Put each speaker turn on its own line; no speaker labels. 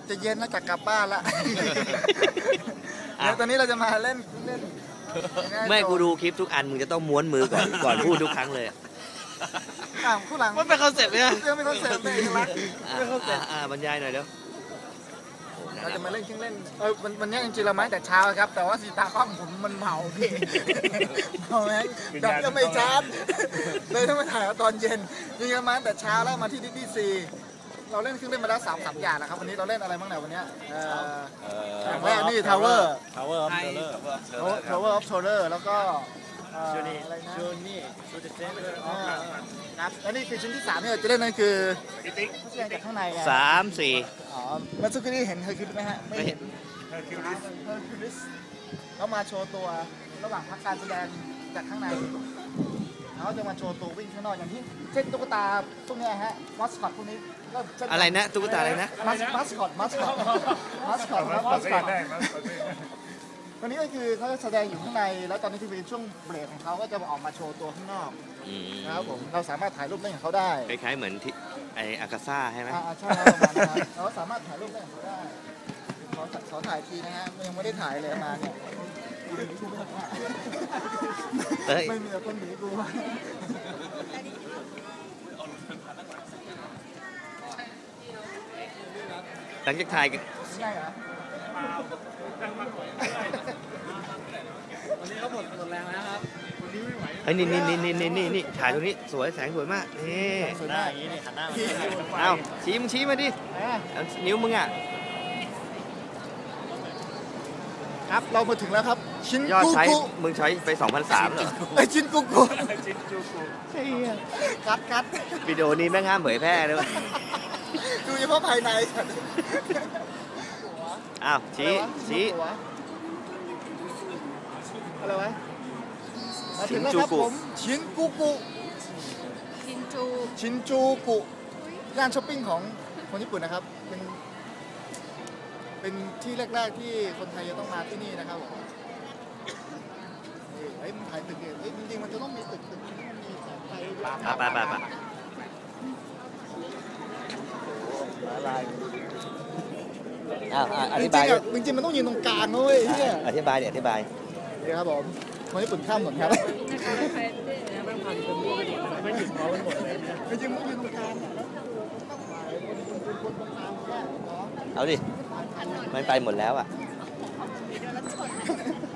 จะเย็นแล้วจะกลับบ้านละเดี๋ยวตอนนี้เราจะมาเล่น
ไม่กูดูคลิปทุกอันมึงจะต้องม้วนมือก่อนพูดทุกครั้งเลย
ผู้หลัง
มันเป็นคอนเซ็ปต์เนี่ย
เป็นคอนเซ็ปต์เป็นเอกลักษณ์
บรรยายหน่อยเดี๋ยว
เราจะมาเล่นเครื่องเล่นวันนี้จริงๆเรามาแต่เช้าครับแต่ว่าสีตากล้องผมมันเมาพี่เมาแม่งดับก็ไม่ชาร์จเลยต้องมาถ่ายตอนเย็นจริงๆมาแต่เช้าแล้วมาที่ดิสนีย์ซีเราเล่นเครื่องเล่นมาแล้ว3 อย่างนะครับวันนี้เราเล่นอะไรบ้างเนี่ยวันนี้อย่างแรกนี่ Tower of Terror แล้วก็อะไรนะครับและนี่คือชิ้นที่3เนี่ยจะเล่นนั่นคือเขาแสดงจากข้างใน
3 4
เมื่อสักครู่นี้เห็นเฮอร์คิวลิสไหมฮะไม่เห็นเฮอร์คิวลิสเขามาโชว์ตัวระหว่างพักการแสดงจากข้างในเขาจะมาโชว์ตัววิ่งข้างนอกอย่างที่เช่นตุ๊กตาพวกนี้ฮะมัสคอตพวกนี้ก็
อะไรนะตุ๊กตาอะไรนะ
มัสคอตวันนี้ก็คือเขาจะแสดงอยู่ข้างในแล้วตอนนี้ที่เป็นช่วงเบรกของเขาก็จะออกมาโชว์ตัวข้างนอกนะครับผมเราสามารถถ่ายรูปเล่นกับเขาได้
คล้ายๆเหมือนที่ไออากาซ่าใช่ไหม
ใช่เราสามารถถ่ายรูปเล่นกับเขาได้ขอถ่ายทีนะฮะยังไม่ได้ถ่ายเลยมาเนี่ยไม่มีแต่คนหนีกู
หลังจากถ่ายกัน
ใช่เหรอ
วันนี้เขาหมดแรงแล้วครับวันนี้ไม่ไหว
เฮ้ยนี่ถ่ายตรงนี้สวยแสงสวยมากนี่
สวยมากอย่างนี้นี่หันหน้ามา
เอาชี้มาดินิ้วมึงอ่ะ
ครับเรามาถึงแล้วครับชิ้น
ยอดใช้มึงใช้ไป2,300เหรอ
ชิ้นกุ๊กคัด
วิดีโอนี้แม่งห้ามเผยแพร่เลย
ดูเฉพาะภายใน
อ้าวชี้
อะไรวะชินจูกุชินจูกุย่านช้อปปิ้งของคนญี่ปุ่นนะครับเป็นที่แรกๆที่คนไทยจะต้องมาที่นี่นะครับผมมันถ่ายตึกเนี่ยจริงๆมันจะต้องมีตึกที่มันมีแสงไฟ
ไปอธิบาย
จริงๆมันต้องยืนตรงกลางนะเว้ยเนี่ย
อธิบายเ
ดี๋ยวครับผมคนญี่ปุ่นข้ามถนนครับจริงๆมันยืนตรงกลาง
เอาดิมันไปหมดแล้วอ่ะ